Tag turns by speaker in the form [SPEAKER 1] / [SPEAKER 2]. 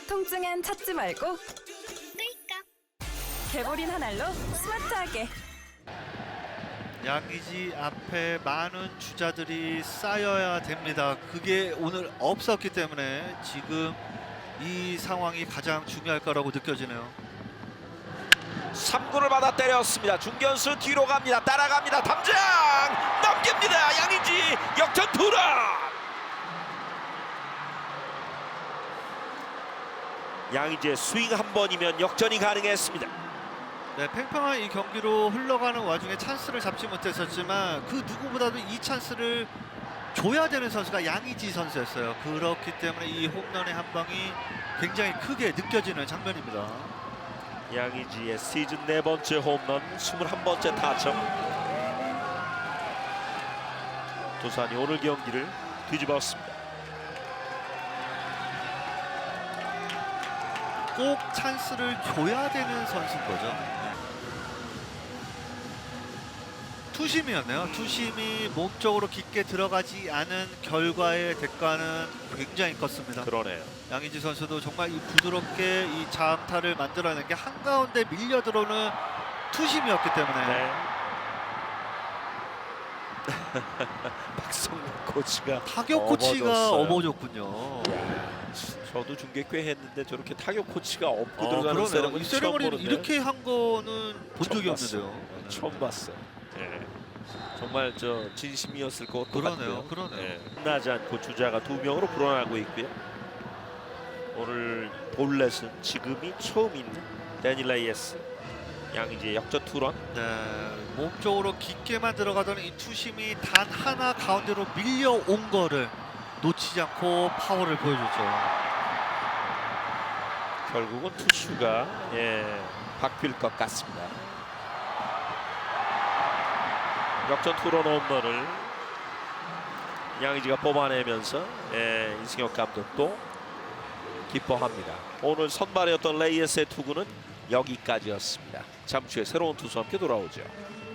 [SPEAKER 1] 통증엔 찾지 말고 개보린 한 알로 스마트하게.
[SPEAKER 2] 양의지 앞에 많은 주자들이 쌓여야 됩니다. 그게 오늘 없었기 때문에 지금 이 상황이 가장 중요할 거라고 느껴지네요.
[SPEAKER 3] 3구를 받아 때렸습니다. 중견수 뒤로 갑니다. 따라갑니다. 담장 넘깁니다. 양의지 역전 투런. 양의지의 스윙 한 번이면 역전이 가능했습니다.
[SPEAKER 2] 네, 팽팽한 이 경기로 흘러가는 와중에 찬스를 잡지 못했었지만 그 누구보다도 이 찬스를 줘야 되는 선수가 양의지 선수였어요. 그렇기 때문에 이 홈런의 한 방이 굉장히 크게 느껴지는 장면입니다.
[SPEAKER 3] 양의지의 시즌 4번째 홈런, 21번째 타점. 두산이 오늘 경기를 뒤집었습니다.
[SPEAKER 2] 꼭 찬스를 줘야 되는 선수인 거죠. 투심이었네요. 투심이 몸쪽으로 깊게 들어가지 않은 결과의 대가는 굉장히 컸습니다.
[SPEAKER 3] 그러네요.
[SPEAKER 2] 양의지 선수도 정말 이 부드럽게 이 자음타를 만들어낸 게 한가운데 밀려 들어오는 투심이었기 때문에
[SPEAKER 3] 네. 박성민 코치가
[SPEAKER 2] 타격 코치가
[SPEAKER 3] 업어줬어요.
[SPEAKER 2] 업어줬군요.
[SPEAKER 3] 저도 중계 꽤 했는데 저렇게 타격 코치가 업고 들어가는
[SPEAKER 2] 그러네요.
[SPEAKER 3] 세레머니
[SPEAKER 2] 이
[SPEAKER 3] 처음
[SPEAKER 2] 세레머니를
[SPEAKER 3] 보는데
[SPEAKER 2] 이렇게 한 거는 본
[SPEAKER 3] 처음
[SPEAKER 2] 적이
[SPEAKER 3] 봤어요.
[SPEAKER 2] 없는데요.
[SPEAKER 3] 처음 봤어요. 예. 정말 저 진심이었을 것
[SPEAKER 2] 그러네요.
[SPEAKER 3] 같고요.
[SPEAKER 2] 그러네요.
[SPEAKER 3] 예. 끝나지 않고 주자가 2명으로 불어나고 있고요. 오늘 볼넷은 지금이 처음 있는 데니 레이에스. 양의지의 역전 투런.
[SPEAKER 2] 네, 몸쪽으로 깊게만 들어가던 이 투심이 단 하나 가운데로 밀려온 거를 놓치지 않고 파워를 보여줬죠.
[SPEAKER 3] 결국은 투수가 바뀔 것 같습니다. 역전 투런 홈런을 양의지가 뽑아내면서 이승엽 감독도 기뻐합니다. 오늘 선발이었던 레이에스의 투구는 여기까지였습니다. 잠시 후에 새로운 투수와 함께 돌아오죠.